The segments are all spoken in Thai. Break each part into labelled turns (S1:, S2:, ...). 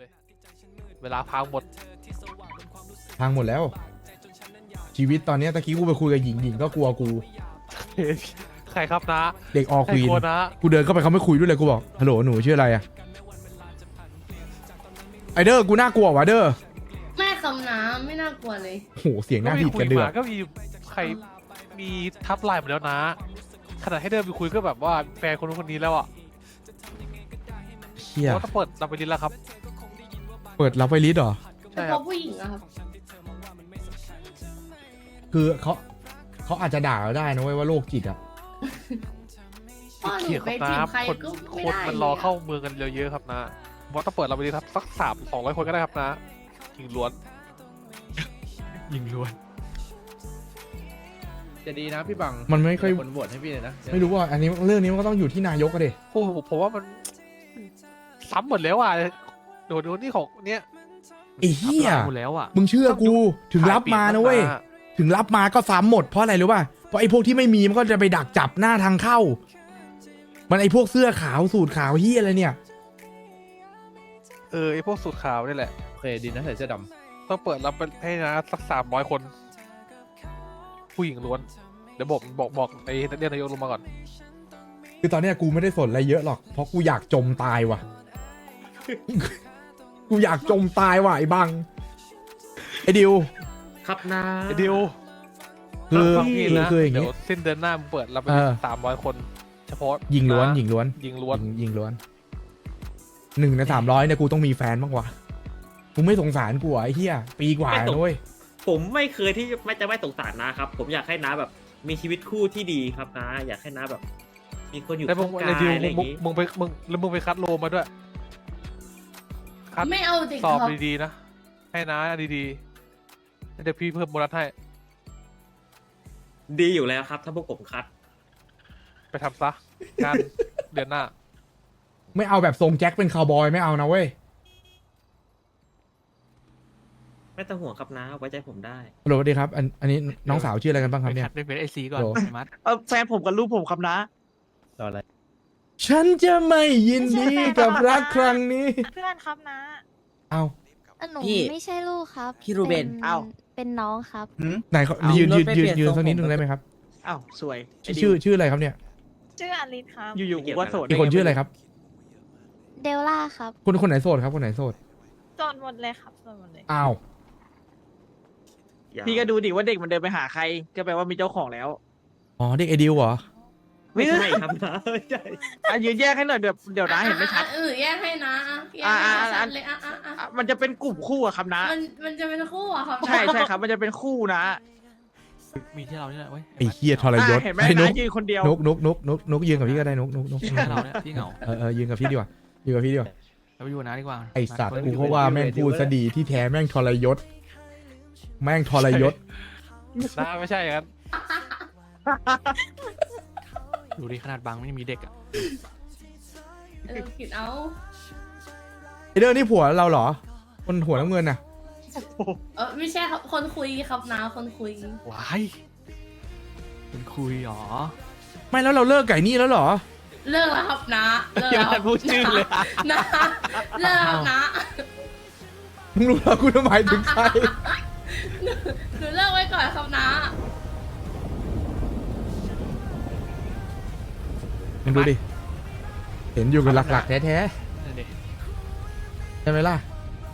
S1: เลยเวลาพังหมด
S2: พังหมดแล้ว ชีวิตตอนเนี้ยตะกี้กูไปคุยกับหญิงก็กลัวกู
S1: ใครครับนะ
S2: เด็กออ
S1: ใค
S2: ค
S1: ร
S2: วีน
S1: กลัวนะ
S2: กูเดินเข้าไปเขาไม่คุยด้วยเลยกูบอกฮัลโหลหนูชื่ออะไรอะไอเดอร์กูน่ากลัววะเดอร์
S3: ไม่คำน้ำไม่น่ากลัวเลย
S2: โหเสียงหน้าดีดกันเดือด
S1: ก็มีใครมีทับไลน์หมดแล้วนะขนาดให้เดินไปคุยก็แบบว่าแฟนคนนู้นคนนี้แล้วอ่ะ
S2: เชี่ย
S1: เพราะต้องเปิดรับไปลิ้นแล้วครับ
S2: เปิดรับไวลิสเหรอ
S3: แต่
S1: ใช่
S3: พ
S1: ครั
S3: อบ ผู้หญิงอะครับ
S2: คือเขาอาจจะด่าเราได้นะเว้ยว่าโรคจิตอะ
S3: พ่อหนู
S1: เขียน
S3: ไป
S1: ครับ
S3: จีบ
S1: นะ
S3: ใคร
S1: คน
S3: ก็
S1: ค
S3: ไม่
S1: น
S3: ได้
S1: มันรอเข้าเมืองกันเยอะๆครับนะเพราะต้องเปิดรับไปลิ้นครับสัก200 คนก็ได้ครับนะยิงล้วน ยิงล้วน
S4: จะดีนะพี่บัง
S2: มันไม่ค่อย
S4: คนโหวตให้พี่เลยนะ
S2: ไม่รู้ว่าอันนี้เรื่องนี้มันก็ต้องอยู่ที่นายกอะเด็
S1: โอ้โหผมว่ามันซ้ำหมดแล้วอ่ะโดนนี่ของเนี้ย
S2: ไอ้เหี้ย
S1: หมดแล้วอ่ะ
S2: มึงเชื่อกูถึงรับมานะเว้ยถึงรับมาก็ซ้ำหมดเพราะอะไรรู้ป่ะเพราะไอ้พวกที่ไม่มีมันก็จะไปดักจับหน้าทางเข้า มันไอ้พวกเสื้อขาวสูทขาวเหี้ยอะไรเนี่ย
S1: ไอพวกสูตรขาวนี่แหละ
S4: โอเคดีนะใส่เสื้อด
S1: ต้องเปิดรับให้นะสัก300 คน ผู้หญิงล้วน เดี๋ยวบอกไอ้เรียกนายกลงมาก่อน
S2: คือตอนเนี้ยกูไม่ได้สนอะไรเยอะหรอกเพราะกูอยากจมตายว่ะ กูอยากจมตายว่ะไอ้บังไอ้ดิว
S5: ครับนะ
S1: ไอ้ดิว
S2: คือ
S1: ฟังพี่นะ
S2: คืออย่าง
S1: เดี๋
S2: งี้
S1: ยวสิ้นเดือนหน้ามึงเปิดรับไป 300 คน เฉพาะ
S2: ยิงล้วน
S1: นะ
S2: ยิงล้วน
S1: ยิงล้วน
S2: ยิงล้วน1 ใน 300เนี่ยกูต้องมีแฟนบ้างวะกูไม่สงสารกูอ่ะไอ้เหี้ยปีกว่านะเว้ย
S5: ผมไม่เคยที่ไม่สงสารนะครับ ผมอยากให้น้าแบบมีชีวิตคู่ที่ดีครับนะ อยากให้น้าแบบ มีคนอยู่
S1: แล้วมึ
S5: ข้าง ง
S1: ไอ้
S5: กาย
S1: ดิว
S5: อะไรอย่างงี้
S1: มึงไปคัดโลมาด้วย คัด
S3: ไม่เอาเด็ก
S1: สอบ
S3: ครับ
S1: ดีๆนะ ให้นะดีๆเดี๋ยวพี่เพิ่มโบนัสให้
S5: ดีอยู่แล้วครับ ถ้าพวกผมคัด
S1: ไปทำซะงาน เดือนหน้า
S2: ไม่เอาแบบทรงแจ็คเป็นคาวบอยไม่เอานะเว้ย
S5: ไม่ต้องห่วงครับนะ ไว้ใจผมได้
S2: ฮัลโหลสวัสดีครับอันนี้น้องสาวชื่ออะไรกันบ้างครับเนี่ย
S1: เป็นไอซีก่อน
S2: โหล
S1: ไอ้มัด
S6: แฟนผมกับลูกผมครับนะ
S4: ำต่ออะไร
S2: ฉันจะไม่ยินดีกับรักครั้งนี้
S7: เพื่อนครับนะ
S2: เอา
S7: หนู
S8: พี่
S7: ไม่ใช่ลูกครับ
S8: พี่รูเบน
S6: อ้าว
S7: เป็นน้องครับ
S2: ไหนเขา
S8: เอา
S2: ยืน
S8: รถไปเปลี่ยน
S2: ยืน
S8: ทรง
S2: สักนิด
S8: ผม
S2: นึงได้ไหมครับ
S6: อ้าวสวย
S2: ชื่ออะไรครับเนี่ย
S7: ชื่ออลิสครับ
S6: อยู่ๆกูก็โสด
S2: อีกคนชื่ออะไรครับ
S7: เดลล่าครับ
S2: คนไหนโสดครับคนไหนโสด
S7: โสดหมดเลยครับโสดหมดเลย
S2: อ้าว
S6: พี่ก็ดูดิว่าเด็กมันเดินไปหาใคร ก็แปลว่ามีเจ้าของแล้ว
S2: อ๋อเด็กไอดิวเหรอ
S5: ไม่ใช่ครับนะไม่ใช่
S6: อ่ะยืนแยกให้หน่อยเดี๋ยวนะเห็นไม่ชัด
S3: แยกให้นะแยกให้ชัดเลยอ่ะ
S6: อ่ะมันจะเป็นกลุ่มคู่อะครับนะ
S3: มันจะเป็นคู่อะครับ
S6: ใช่ครับ มันจะเป็นคู่นะ
S1: มีที่เราเนี่ยเว้ย
S2: ไอ้เฮียทรยศ
S6: อ่ะเห็นไหม
S2: ไอ้นุ
S6: นะ
S2: ก
S6: ยืนคนเดียว
S2: นุกยืนกับพี่ก็ได้นุก
S1: เราเนี่ยพี่เหงา
S2: ยืนกับพี่ดีกว่ายืนกับพี่ดีกว่า
S1: เราไปอยู่นะดีกว่า
S2: ไอสัตว์กูเพราะว่าแม่งพูดซะดีที่แท้แม่งทรยศ แม่งทรยศ
S1: นะไม่ใช่ครับดูดิขนาดบางไม่มีเด็กอ่ะ
S3: ผิดเอา
S2: ไอเดอร์นี่ผัวเราเหรอ คนหัวน้ำเงินน่ะ
S3: ไม่ใช่ครับคนคุยครับนะคนคุย
S1: ว้ายเป็นคุยหรอ
S2: ไม่แล้วเราเลิกไก่นี่แล้วเหรอ
S3: เลิกแล้วครับนะเลิก
S1: ยัง
S3: แล้ว
S1: ไม่พูดชื่อเลย
S3: นะเลิกแล้วนะ
S2: มึงรู้แล้วกูจะหมายถึงใคร
S3: หนูเลิกไว้ก่อนครับนะ
S2: มึงดูดิ เห็นอยู่กับหลักๆแท้
S1: นั่นดิ
S2: ๆใช่ไหมล่ะ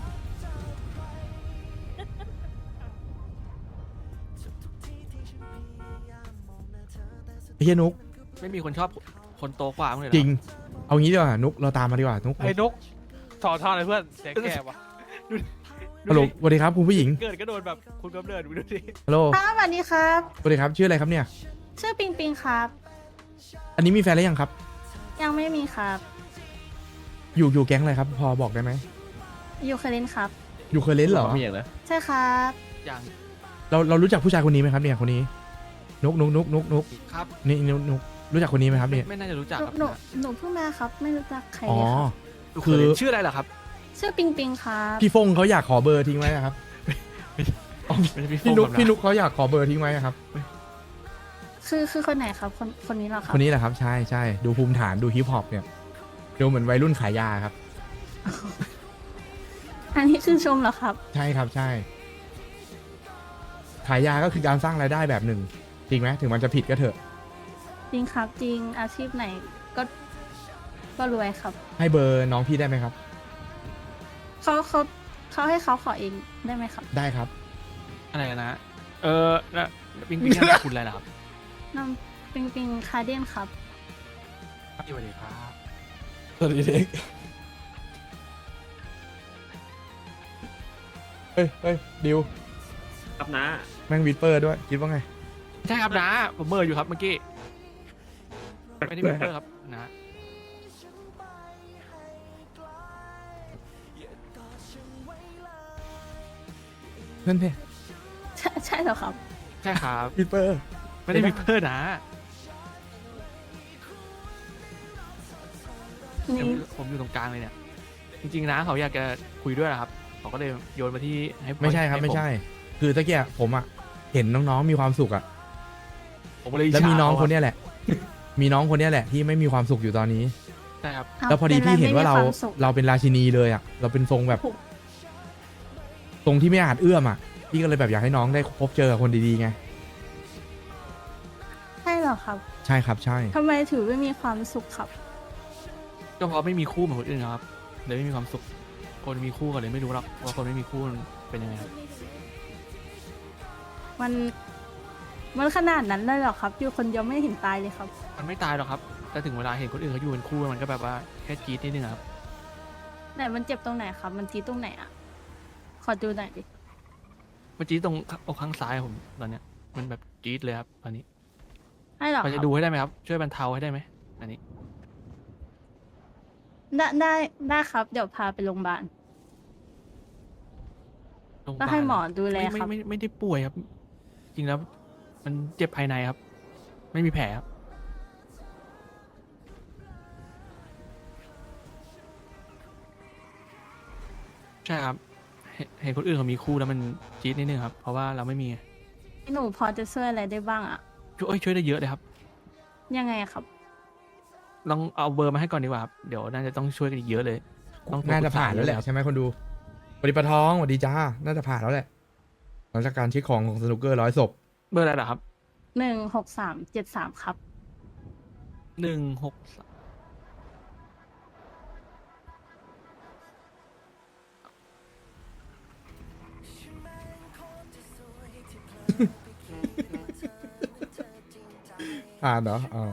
S2: ไอ้เฮียนุก
S1: ไม่มีคนชอบคนโตกว่ามึงเลย
S2: จริง เอางี้ดีกว่านุกเราตามมาดีกว่านุก
S1: ไอ้นกสอนท่าอะไรเพื่อนเสียงแก่วะ
S2: ฮัลโหลสวัสดีครับคุณผู้หญิง
S1: เกิดก็โดนแบบคุณกำเนิดดูดิ
S2: ฮัลโหล
S7: ครับสวัสดีครับ
S2: สวัสดีครับชื่ออะไรครับเนี่ย
S7: ชื่อปิงปิงครับ
S2: อันนี้มีแฟนแล้วยังครับ
S7: ยังไม่มีครับ
S2: อยู่แก๊งอะไรครับ พอบอกได้ไหม
S7: อยู่เคลินครับ
S2: อยู่เคยเล่นเหรอ
S4: มีอย่างนะ
S7: ใช่ครับ
S1: อย่าง
S2: เรารู้จักผู้ชายคนนี้ไหมครับเนี่ยคนนี้ นุก
S1: ครับ
S2: นี่นุกรู้จักคนนี้ไหมครับเนี่ย
S1: ไม่น่าจะรู้จักครับ
S7: หนูเพิ่งมาครับ ไม่รู้จักใคร
S2: อ๋อ
S7: เลยครับ
S2: คือ
S1: ชื่ออะไรเหรอครับ
S7: ชื่อปิงปิงครับ
S2: พี่ฟงเขาอยากขอเบอร์ทิ้งไว้นะครับ
S1: ไม่ใช่พี่
S2: พี่นุก
S1: ฟง
S2: พี่นุกเขาอยากขอเบอร์ทิ้งไว้ครับ
S7: คือคนไหนครับ คนนี้เหรอครั
S2: ค
S7: บ
S2: นนี้แหละครับใช่ดูภูมิฐานดูฮิปฮอปเนี่ยดูเหมือนวัยรุ่นขายยาครับ
S7: อันนี้คือชมเหรอครับ
S2: ใช่ครับใช่ ขายยาก็คือการสร้างรายได้แบบหนึ่ง จริงไหมถึงมันจะผิดก็เถอะ
S7: จริงครับจริงอาชีพไหนก็ก็รวยครับ
S2: ให้เบอร์น้องพี่ได้ไหมครับ
S7: เขาให้เขาขอเองได้ไหมครับ
S2: ได้ครับ
S8: อะไรกันนะแล้วปิงปิงนามสกุลอะไรล่ะครับ
S7: น้องปิงปิงคาเดียนครับ
S8: สวัสดีครับ
S2: สวัสดีเด็กเฮ้ยดิว
S5: ครับนะ
S2: แม่งวิดเปอร์ด้วย คิดว่าไง
S8: ใช่ครับนะผมเมอร์อยู่ครับเมื่อกี้ไม่ได้มีเพื่อครับนะ
S2: นั่นเพ
S7: ใช่เหรอครับ
S8: ใช่ครับ
S2: วิดเปอร์
S8: ไม่ได้มีเพื่อนะ
S7: นี่
S8: ผมอยู่ตรงกลางเลยเนี่ย จริงๆนะเขาอยากจะคุยด้วยนะครับเขาก็เลยโยนมาที่ให้
S2: ไม่ใช่ครับ
S8: ห้
S2: ไม่ใช่
S8: ผ
S2: คือตะเกียผมอะเห็นน้องๆมีความสุขอะ
S8: ผมก็เลย
S2: แล้วมีน้อง
S8: ฉา
S2: คนเนี้ยแหละ มีน้องคนเนี้ยแหละที่ไม่มีความสุขอยู่ตอนนี้
S8: ใช่ครับ
S2: แล้วพอดีพี่เห็นว่าเรา
S7: ป็อะไรไม่มีควมสุข
S2: เราเป็นราชินีเลยอะเราเป็นทรงแบบทรงที่ไม่อาจเอื้อมอะพี่ก็เลยแบบอยากให้น้องได้พบเจอกับคนดีๆไง
S7: ใช่เหรอครับ
S2: ใช่ครับใช่
S7: ทำไมถือไม่มีความสุขครับ
S8: ก็เพราะไม่มีคู่เหมือนคนอื่นครับเลยไม่มีความสุข คนมีคู่ก็เลยไม่รู้หรอกว่าคนไม่มีคู่มันเป็นยังไงครับ
S7: มันขนาดนั้นเลยเหรอครับ อยู่คนเดียวไม่เห็นตายเลยครับ
S8: มันไม่ตายหรอกครับแต่ถึงเวลาเห็นคนอื่นเขาอยู่เป็นคู่มันก็แบบว่าแค่จี๊ดนิดนึงอะครับ
S7: ไหนมันเจ็บตรงไหนครับ มันจี๊ดตรงไหนอ่ะ ขอดูหน่อยดิ
S8: เมื่อกี้ตรงอกข้างซ้ายผมตอนเนี้ยมันแบบจี๊ดเลยครับตอนนี้
S7: ให้เหรอ
S8: พอ
S7: ค
S8: จะ
S7: รับ
S8: ดูให้ได้ไหมครับช่วยบรรเทาให้ได้ไหมอันนี้
S7: ได้ครับ เดี๋ยวพาไปโรงพยาบาล
S8: โรงพยา
S7: ก็
S8: บาล
S7: ให้หมอดูแล
S8: ไม่
S7: ครับ
S8: ไม่ได้ป่วยครับ จริงแล้วมันเจ็บภายในครับ ไม่มีแผลครับใช่ครับเห็นคนอื่นเขามีคู่แล้วมันจี๊ดนิดนึงครับ เพราะว่าเราไม่มี
S7: หนูพอจะช่วยอะไรได้บ้างอ่ะ
S8: ช่วยได้เยอะเลยครับ
S7: ยังไงอะครับ
S8: ลองเอาเบอร์มาให้ก่อนดีกว่าครับเดี๋ยวน่าจะต้องช่วยกันอีกเยอะเลยต้อง
S2: น่าจะผ่านแล้วแหละ
S8: ครับ
S2: ใช่ไหมคนดูสวัสดีปะท้องสวัสดีจ้า น่าจะผ่านแล้วแหละหลังจากการเช็คของสนุกเกอร์100 ศพ
S8: เบอร์อะไรเหรอครับ
S7: 16373ครับ
S8: 163
S2: ผ่านเหรออ๋อ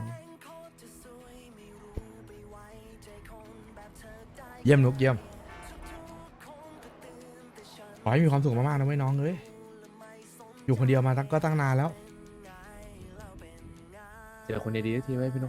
S2: เยี่ยมนุกเยี่ยม ขอให้มีความสุขมากๆนะเว้ยน้องเอ้ยอยู่คนเดียวมาก็ตั้งนานแล้ว
S4: เจอคนดีๆทีไว้พี่นุ๊ก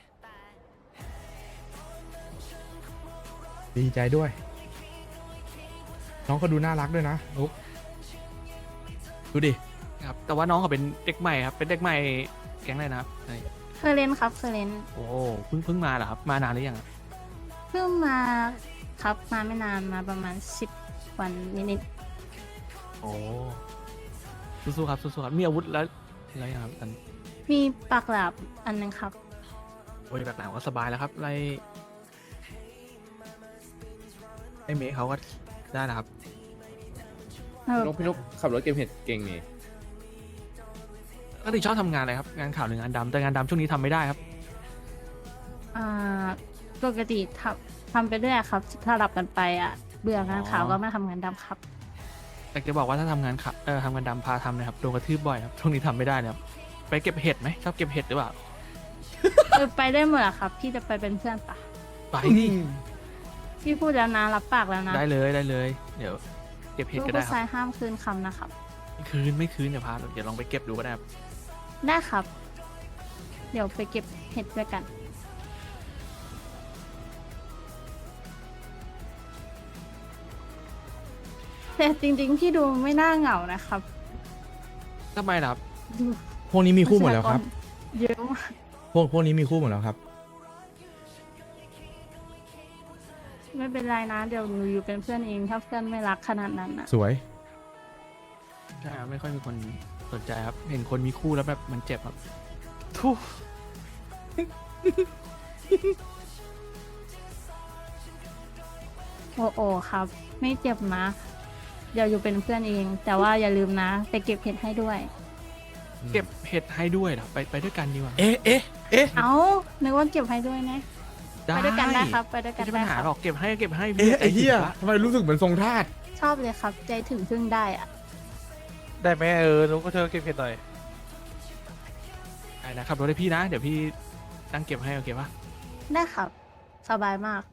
S2: ดีใจด้วย น้องก็ดูน่ารักด้วยนะนุกดูดิ
S8: ครับแต่ว่าน้องเขาเป็นเด็กใหม่ครับเป็นเด็กใหม่แก๊งอะไรนะครับอันนี้
S7: เคยเล่นครับเคยเล่น
S8: โอ้เพิ่งมาเหรอครับมานานหรือยังอะ
S7: เพิ่งมาครับมาไม่นานมาประมาณ10 วันนิด
S8: โอ้สู้ๆครับสู้ๆครับมีอาวุธแล้วอะไรยังครับอัน
S7: ๆมีปากหลาบอันนึงครับ
S8: โอ้ยแบบหนาวก็สบายแล้วครับไล่เมฆเขาก็ได้นะครับ
S4: พี่นุ๊กขับรถเกมเห็ดเก่งนี่
S8: ก็ติชอบทำงานอะไรครับงานข่าวหรืองานดำแต่งานดำช่วงนี้ทำไม่ได้ครับ
S7: อ่าปกติทำไปเรื่อยครับถ้าหลับกันไปอ่ะ เบื่องานข่าวก็มาทำงานดำครับ
S8: แต่จะบอกว่าถ้าทำงานข่าวทำงานดำพาทำนะครับโดนกระทืบบ่อยครับช่วงนี้ทำไม่ได้เลยครับไปเก็บเห็ดไหมชอบเก็บเห็ดหรือเปล่า
S7: ไปได้หมดอะครับ พี่จะไปเป็นเพื่อนปะ
S8: ไปดิ
S7: พี่พูดแล้วนะรับปากแล้วนะ
S8: ได้เลยได้เลย เดี๋ยวเก็บเห็ด
S7: ลูก
S8: ก็ได้
S7: ผู้
S8: ค
S7: ชา
S8: รับ
S7: ยห้ามคืนคำนะครับ
S8: ไม่คืนเดี๋ยวพาเดี๋ยวลองไปเก็บดูก็ได้ครับ
S7: ได้ครับ เดี๋ยวไปเก็บเห็ดด้วยกัน แต่จริงๆ พี่ดูไม่น่าเหงานะครับ
S8: ทำไมล่ะครับ
S7: ดู
S2: พวกนี้มีคู่หมดแล้วครับ
S7: เยอะมาก
S2: พวกนี้มีคู่หมดแล้วครับ
S7: ไม่เป็นไรนะ เดี๋ยวหนูอยู่เป็นเพื่อนเอง ถ้าเพื่อนไม่รักขนาดนั้นนะ
S2: สวย
S8: ใช่ครับไม่ค่อยมีคนสนใจครับ เห็นคนมีคู่แล้วแบบมันเจ็บครับทุก
S7: โอโอครับ ไม่เจ็บนะ เดี๋ยวอยู่เป็นเพื่อนเอง แต่ว่าอย่าลืมนะ ไปเก็บเห็ดให้ด้วย
S8: เก็บเห็ดให้ด้วยเหรอไปด้วยกันดีกว่า
S2: เอ๊ะ
S7: เอ้านึกว่าเก็บให้ด้วยนะ ไปด้วยกันได้ครับ ไปด้วยกั
S8: ไม่
S7: น
S8: ใช่
S7: ได้
S8: ปัญหา
S7: ครับ
S8: หรอกเก็บให้พี่
S2: เอ๊ะไอ้เหี้ย
S8: ใจถึงละ
S2: ทำไมรู้สึกเหมือนทรงทาส
S7: ชอบเลยครับ ใจถึงพึ่งได้อะ
S1: ได้ไหมนุ๊กก็เชิญเก็บเห็ดหน่อย
S8: ได้นะครับรถให้พี่นะ เดี๋ยวพี่ตั้งเก็บให้โอเคปะ
S7: ได้ครับ สบายมาก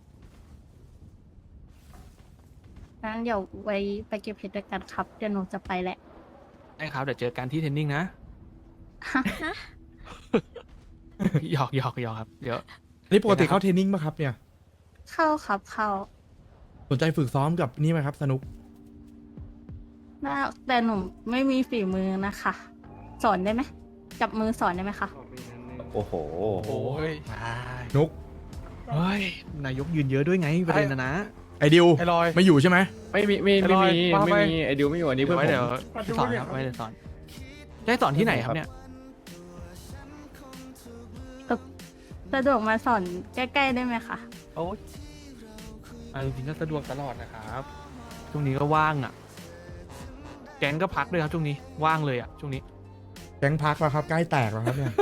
S7: งั้นเดี๋ยวไว้ไปเก็บเห็ดด้วยกันครับ เดี๋ยวหนูจะไปแหละ
S8: ได้ครับเดี๋ยวเจอกันที่เทรนนิ่งนะ หยอกครับเดี๋ยว
S2: นี่ปกติเข้าเทรนนิ่งป่ะครับเนี่ย
S7: เข้าครับเข้า
S2: สนใจฝึกซ้อมกับนี่ไหมครับสนุก
S7: ได้แต่หนูไม่มีฝีมือนะคะ สอนได้ไหมจับมือสอนได้ไหมคะ
S9: โอ้โห
S1: โอ้ย
S2: นุก
S8: เฮ้ยนายกยืนเยอะด้วยไงประเด็นนะ
S2: ไอดิว
S1: ไอ้ลอย
S2: ไม่อยู่ใช่ไหม
S4: ไม่มี
S1: ไอ้ลอยว่าไป
S4: ไอดิวไม่อยู่อันนี้เพื่อน
S8: ไว้
S4: ผม
S8: เดี๋ยวสอนครับไว้เดี๋ยวสอนได้สอนที่ไหนครับเนี่ย
S7: สะดวกมาสอนใกล้ๆได้ไหมคะ
S1: โอ้ย
S8: จริงๆก็สะดวกตลอดนะครับช่วงนี้ก็ว่างอ่ะ แก๊งก็พักด้วยครับช่วงนี้ว่างเลยอ่ะช่วงนี้
S2: แก๊งพักแล้วครับใกล้แตกแล้วครับเนี่ย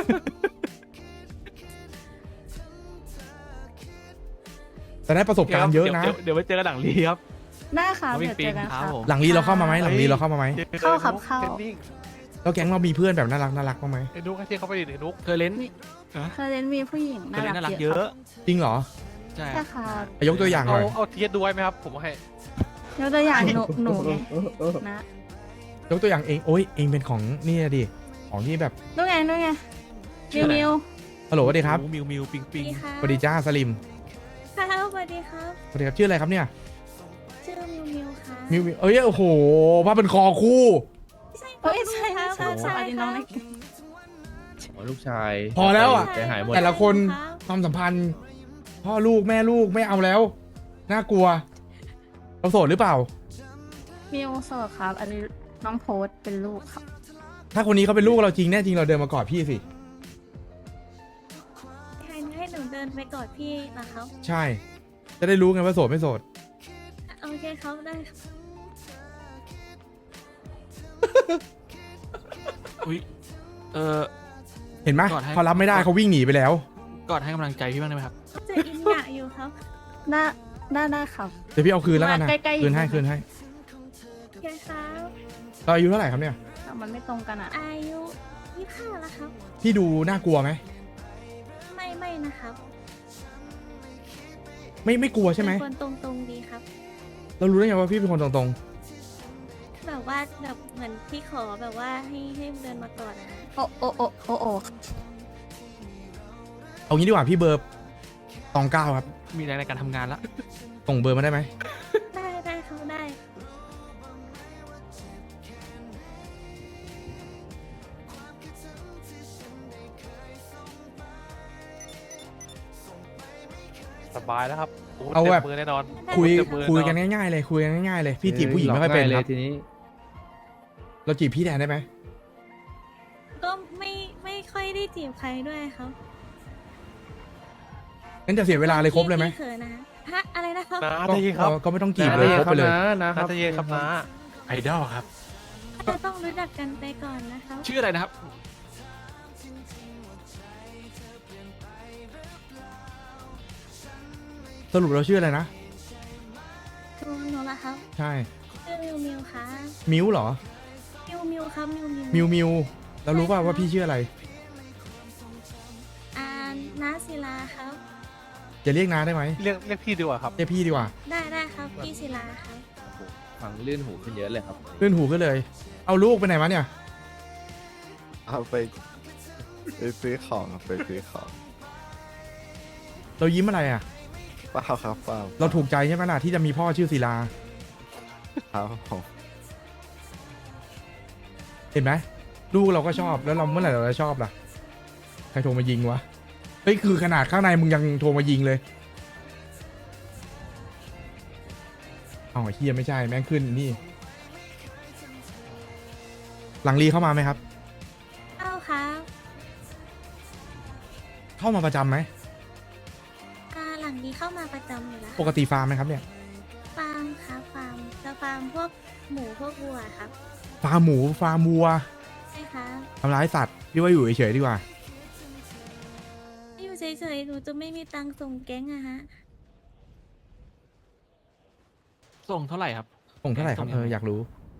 S2: แต่ได้ประสบการณ์เยอะนะ
S8: เดี๋ยวไปเจอกันหลังรีครับ
S7: ได้ค่ะ
S8: น้อง
S7: เดี๋ยวเจอกัน
S8: ค
S7: ค
S8: รั
S7: รั
S8: บบ ผม
S2: หลังรีเราเข้ามาไหมหลังรีเราเข้ามาไหม
S7: เข้าครับเข้า
S1: ทรนนิ่ง
S2: แล้วแก๊งเรามีเพื่อนแบบน่ารักบ้างไหม
S1: ไอ้นุ๊กให้ที่เขาไปดิไอ้นุ๊ก
S8: เคยเล่น
S7: เคยเล่นมีผู้หญิง
S8: เค
S7: น่าย
S8: เล่นน่า
S7: รั
S8: รั
S7: ก
S8: ก
S7: เย
S8: เย
S7: อะ
S8: อะ
S2: จริงเหรอ
S8: ใช่
S7: ใช่ค่ะ
S2: ยกตัวอย่างห
S1: เอา
S2: น่อย
S1: เอาเทียดดูไว้ไหมครับ ผมให้
S7: ยกตัวอย่างหนูไงนะ
S2: ยกตัวอย่างเองโอ้ยเองเป็นของนี่นะดิของที่แบบ
S7: นู่นไงมิวมิว
S2: ฮัลโหลสวัสดีครับ
S8: มิวปิงปิง
S2: สวัสดีจ้าสลิม
S10: ค่ะสวัสดีครับ
S2: สวัสดีครับชื่ออะไรครับเนี่ย
S10: ชื่อมิวค่ะ
S2: มิวเอ้ยโอ้โหผ้าเป็นคอคู่
S7: เอ้ยใช่
S10: ครับ
S7: ใช่สวัสดีน้องเล็ก
S4: ลูกชาย
S2: พอแล้วอ่ะ
S4: ใจหายหมด
S2: แต่ละคนความสัมพันธ์ พ่อลูกแม่ลูกไม่เอาแล้ว น่ากลัวเราโสดหรือเปล่า
S7: มิวโสดครับ อันนี้น้องโพสต์เป็นลูกครับ
S2: ถ้าคนนี้เขาเป็นลูกเราจริงแน่จริงเราเดินมากอดพี่สิ
S10: ให้หนูเดินไปกอดพี่นะครับ
S2: ใช่ จะได้รู้ไงว่าโสดไม่โสด
S10: โอเคครับได้ครับ
S8: อุ้ย
S2: เห็นไหม
S8: กอดให้
S2: เขารับไม่ได้เขาวิ่งหนีไปแล้ว
S8: กอดให้กำลังใจพี่บ้างได้ไหมครับ
S10: จะอินอยากอยู่ครับ
S7: ได้ครับ
S2: เดี๋ยวพี่เอาคืนแล้วกันนะ
S7: มาใกล้ๆ
S2: คืนให้
S7: อยู่
S2: คืนให้
S10: โอเคครับ
S2: เราอายุเท่าไหร่ครับเนี่ย
S7: แต่มันไม่ตรงกันอ่ะ
S10: อายุ25แล้วครับ
S2: พี่ดูน่ากลัวไหม
S10: ไม่นะครับ
S2: ไม่กลัวใช่ไหม
S10: เป็นคนตรงๆดีครับ
S2: เรารู้ได้ไงว่าพี่เป็นคนตรง
S10: แบบว่าแบบเหมือนพี่ขอแบบว่าให้เดินมาก่อนนะ
S7: โอ้
S2: ๆเอางี้ดีกว่าพี่เบอร์ตองเก้าครับ
S8: มีแรงในการทำงานละ
S2: ส่งเบอร์มาได้ไหม
S10: ได้ครับได้
S1: สบายแล้วครับโอ้โห
S2: เอาแบบ
S1: ต็มมือแน่นอน
S2: คุย
S1: เต็มมือ
S2: คุยกัน
S1: แอ
S2: ง่ายๆเลยคุยกันง่ายๆเลยพี่จีบผู้หญิงไม่ค่อยเป็น
S4: เล
S2: ค
S4: ย
S2: รับ
S4: ทีนี้
S2: เราจีบพี่แทนได้ไหม
S10: ก็ไม่ค่อยได้จีบใครด้วยครับ
S2: งั้นจะเสียเวลาเลยครบเลยไหม
S10: พี่เขินนะฮะอะไรนะครับ
S1: น้า
S2: ก็
S1: ใจเย็นครับ
S2: ก็ไม่ต้องจีบเลยครบไปเลย
S1: น้าใจเย็นครับน้า
S8: ไอดอลครับ
S10: จะต้องรู้จักกันไปก่อนนะครับ
S8: ชื่ออะไรนะครับ
S2: สรุปเราชื่ออะไรนะ
S10: หนูละครับ
S2: ใช่
S10: ชื่อมิวค่ะ
S2: มิวเหรอ
S10: มิวครับมิว
S2: มิวเรารู้ป่าวว่าพี่ชื่ออะไร
S10: น้าศิลาครับ
S2: จะเรียกน้าได้ไหม
S1: เรียกพี่ดีกว่าครับ
S2: เรียกพี่ดีกว่า
S10: ได้ครับพี่ศิลาครับ
S4: ฟังลื่นหูขึ้นเยอะเลยครับ
S2: เลื่อนหูขึ้นเลย เอาลูกไปไหนมาเนี่ย
S9: เอาไปซื้อของครับไปซื้อของ
S2: เรายิ้มอะไรอ่ะ
S9: เปล่าครับเปล่า
S2: เราถูกใจใช่ไหมล่ะที่จะมีพ่อชื่อศิลา
S9: ครับผม
S2: เห็นไหมลูกเราก็ชอบแล้วเราเมื่อไหร่เราจะชอบล่ะใครโทรมายิงวะเฮ้ยคือขนาดข้างในมึงยังโทรมายิงเลยเอาไอ้เฮียไม่ใช่แม่งขึ้นนี่ หลังรีเข้ามาไหมครับ
S10: เอาครับ
S2: เข้ามาประจำไหม
S10: หลังนี้เข้ามาประจำอยู่แล้ว
S2: ปกติฟาร์มไหมครับเนี่ย
S10: ครับฟาร์มจะฟาร์มพวกหมูพวกวัวครับ
S2: ฟาร์มหมูฟาร์มวัว
S10: ใช่ครับ
S2: ทำร้ายสัตว์พี่ว่าอยู่เฉยๆดีกว่า
S10: อยู่เฉยๆหนูจะไม่มีตังค์ส่งแก๊งอะฮะ
S8: ส่งเท่าไหร่ครับ
S2: ส่งเท่าไหร่ครับอยากรู้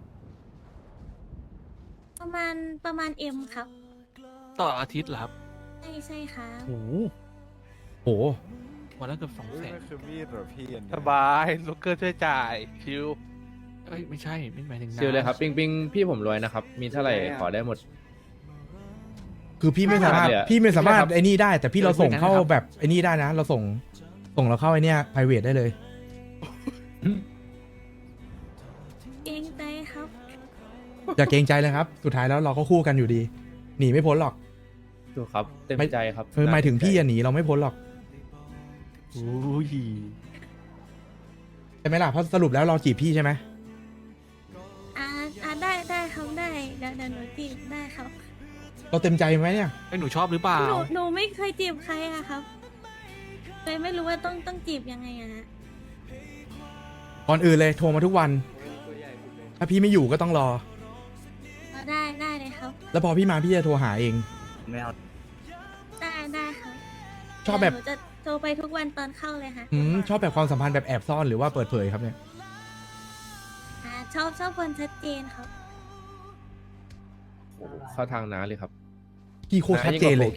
S10: ประมาณเอ็มครับ
S8: ต่ออาทิตย์เหรอครับ
S10: ใช่ครับ
S8: โอ้โห
S2: โห
S8: วันละเกือบ200,000
S9: นั่นคือมีดเหรอพี่อันนี้
S1: สบายลูกเกอร์ช่วยจ่ายชิว
S8: เอ้ยไม่ใช่ไม่หมายถึงน้า
S4: ชิลเลยครับปิงปิงพี่ผมรวยนะครับ มีเท่าไหร่ขอได้หมด
S2: คือพี่ไม่สามารถ
S4: เลยอะ
S2: พี่ไม่สามารถ
S4: ใช่ครับ
S2: ไอ้นี่ได้ แต่พี่เราส่งเข้า
S8: ไม่ใช่ครับ
S2: แบบไอ้นี่ได้นะ เราส่งเราเข้าไอ้เนี่ย private ได้เลย
S10: เกรงใจครับ
S2: อย่าเกรงใจเลยครับ สุดท้ายแล้วเราก็คู่กันอยู่ดี หนีไม่พ้นหรอก
S4: ถูกครับเต็มใจครับ
S2: หมายถึงพี่อะหนีเราไม่พ้นหรอก
S8: โอ้ย
S2: ใช่ไหมล่ะ เพราะสรุปแล้วเราจีบพี่ใช่ไหม
S10: ได้ครับได้เดี๋ยวหนูจีบได้ครับ
S2: เราเต็มใจไหมเนี่ย
S8: ไอ้ยหนูชอบหรือเปล่า
S10: หนูไม่เคยจีบใครอะครับเลยไม่รู้ว่าต้องจีบยังไงอะฮะ
S2: ก่อนอื่นเลยโทรมาทุกวัน ถ้าพี่ไม่อยู่ก็ต้องรอ
S10: ได้เลยครับ
S2: แล้วพอพี่มาพี่จะโทรหาเอง
S10: ได้ครับ
S2: ชอบแบบ
S10: หนูจะโทรไปทุกวันตอนเข้าเลยค่ะ
S2: ชอบแบบความสัมพันธ์แบบแอบซ่อนหรือว่าเปิดเผยครับเนี่ย
S10: ชอบคนชัดเจนครับ
S4: เข้าทางน้าเลยครับ
S2: พี่โคตรชัดเจนเลย
S4: โอเค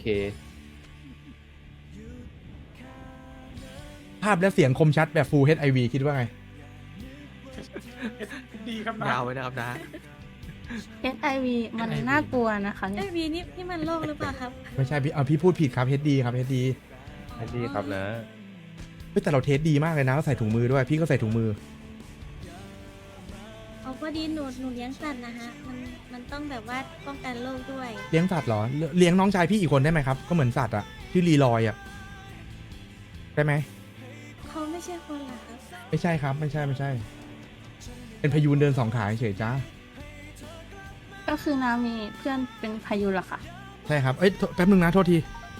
S2: ภาพและเสียงคมชัดแบบ Full HIV คิดว่าไง
S6: ดีครับนะ
S8: ยาวไว้นะครับนะ
S7: HIV มันน่ากลัวนะคะเนี่
S10: เอ้
S7: ย
S10: ยวีนี่มันโรคหรือเปล่าครับ
S2: ไม่ใช่พี่พูดผิดครับ HD ครับ HD
S4: ดีครับนะ
S2: เฮ้ยแต่เราเทสดีมากเลยนะใส่ถุงมือด้วย พี่ก็ใส่ถุงมือ
S10: เอาพอดีหนูเลี้ยงสัตว์นะฮะ มันต้องแบบว่าป้องกันโรคด้วย
S2: เลี้ยงสัตว์เหรอ เลี้ยงน้องชายพี่อีกคนได้ไหมครับ ก็เหมือนสัตว์อะชื่อลีลอยอะได้ไหม
S10: เขาไม่ใช่คนเหรอครับ
S2: ไม่ใช่ครับ ไม่ใช่ เป็นพยูนเดินสองขาเฉยๆจ้า
S7: ก็คือน้ามีเพื่อนเป็นพายุเหรอคะ
S2: ใช่ครับ เอ้ยแป๊บนึงนะโทษที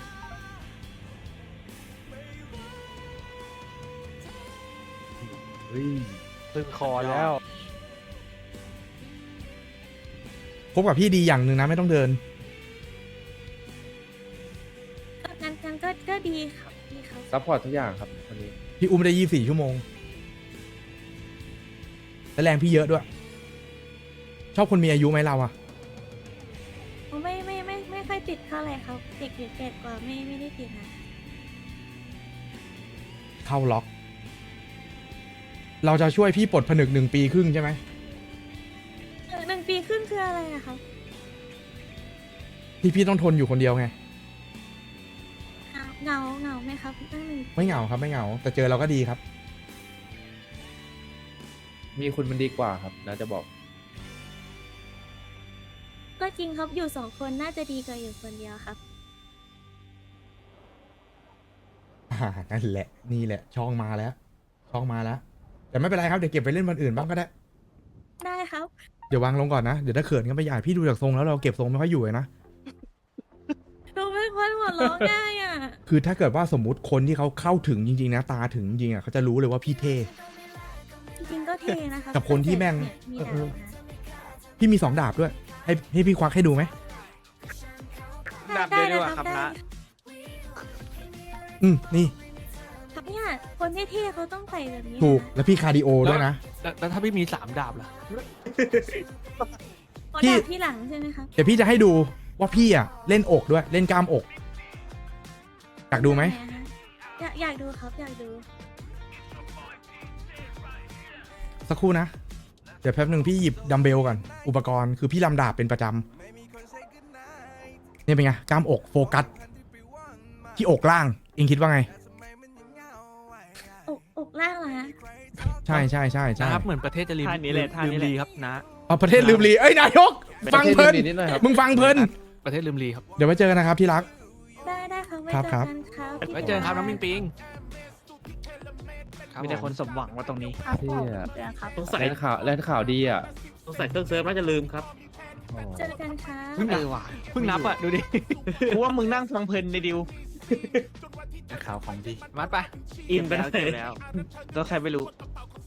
S1: ตึงคอแล้ว
S2: คบกับพี่ดีอย่างหนึ่งนะไม่ต้องเดิน
S10: งั้นก็ดีครับดีครับ
S4: ซัพพอร์ตทุกอย่างครับวันนี้
S2: พี่อุ้มได้24 ชั่วโมง และแรงพี่เยอะด้วย ชอบคนมีอายุไหมเราอะ
S10: ไม่ค่อยติดเท่าไหร่ครับ เด็กหรือแก่กว่าไม่ได้ติดนะ
S2: เข้าล็อก เราจะช่วยพี่ปลดผนึก1 ปีครึ่งใช่ไหม
S10: 1 ปีครึ่งคืออะไรอะครับ
S2: ที่พี่ต้องทนอยู่คนเดียวไง
S10: เหงาไหมครับตั้ง1
S2: ไม่เหงาครับไม่เหงา แต่เจอเราก็ดีครับ
S4: มีคุณมันดีกว่าครับนะจะบอก
S10: ก็จริงครับอยู่2 คนน่าจะดีกว่าอยู่คนเดียวครับ
S2: นั่นแหละ นี่แหละ ช่องมาแล้ว แต่ไม่เป็นไรครับ เดี๋ยวเก็บไปเล่นวันอื่นบ้างก็ได้
S10: ได้ครับ
S2: เดี๋ยววางลงก่อนนะ เดี๋ยวถ้าเขินกันไปใหญ่พี่ดูจากทรงแล้วเราเก็บทรงไม่ค่อยอยู่เลยนะ
S10: หนูเป็นคนหัวเราะง่ายอ่ะ
S2: คือถ้าเกิดว่าสมมุติคนที่เขาเข้าถึงจริงๆนะตาถึงจริงๆอ่ะเขาจะรู้เลยว่าพี่เท่
S10: จริงๆก็เท่นะคะ
S2: กับคนที่แม่ง
S10: มี
S2: เอ
S10: ดา
S2: อ
S10: บนะ
S2: พี่มี2 ดาบด้วย ให้พี่ควักให้ดูไหม
S6: ดับเดียวดีกว่าครับนะ
S2: นี่
S10: ครับเนี่ยคนเท่ๆเขาต้องใส่แบบนี้
S2: ถูก
S10: นะ
S2: แล้วพี่คาร์ดิโอด้วยนะ
S8: แล้วถ้าพี่มี3 ดาบล่ะ
S10: ขอ
S2: พี่
S10: ดาบที่หลังใช่ไหมครับ
S2: เดี๋ยวพี่จะให้ดูว่าพี่อ่ะเล่นอกด้วย เล่นกล้ามอก อยากดูไหม
S10: อยากดูครับอยากดู
S2: สักครู่นะ เดี๋ยวแป๊บหนึ่งพี่หยิบดัมเบลก่อน อุปกรณ์คือพี่ลำดาบเป็นประจำนี่เป็นไง กล้ามอกโฟกัส ที่อกล่าง เองคิดว่าไง
S10: อกล่างเหรอฮะ
S2: ใช่
S8: นะครับเหมือนประเทศจะลืม
S6: ท่านี้เลยท่านี้เลย
S8: ลืมลีครับนะ
S2: เอาประเทศลืมลีเอ้ยนายก ฟังเพลิน
S4: ประเทศลืมลีนิดหน่อยครับ
S2: มึงฟังเพลิน
S8: ประเทศลืมลีครับ
S2: เดี๋ยวไว้เจอกันนะครับที่รัก
S10: ได้ครับไว้
S2: ครับ
S10: เจอ
S2: ครับ
S10: กันครับพี่
S8: ไว้เจอกันครับน้องปิงปิงรับ
S6: มีแต่
S8: ผ
S6: คนสมหวังว่าตรงนี้
S7: ครับผม
S4: เหี้ย
S7: เจอกันครับ
S5: สงสัย
S4: แลนข่าวดีอ่ะ
S5: สงสัยเครื่องเซิร์ฟน่าจะลืมครับ
S10: เจอกันครับ
S8: เพิ่งนับอ่ะดูดิ
S6: กูว่ามึงนั่งฟังเพลินในดิว
S8: ข่าวของดีมัดไป
S5: อินไป
S6: แล้ว
S5: เล
S6: เจอย แล้วแล้วใครไม่รู้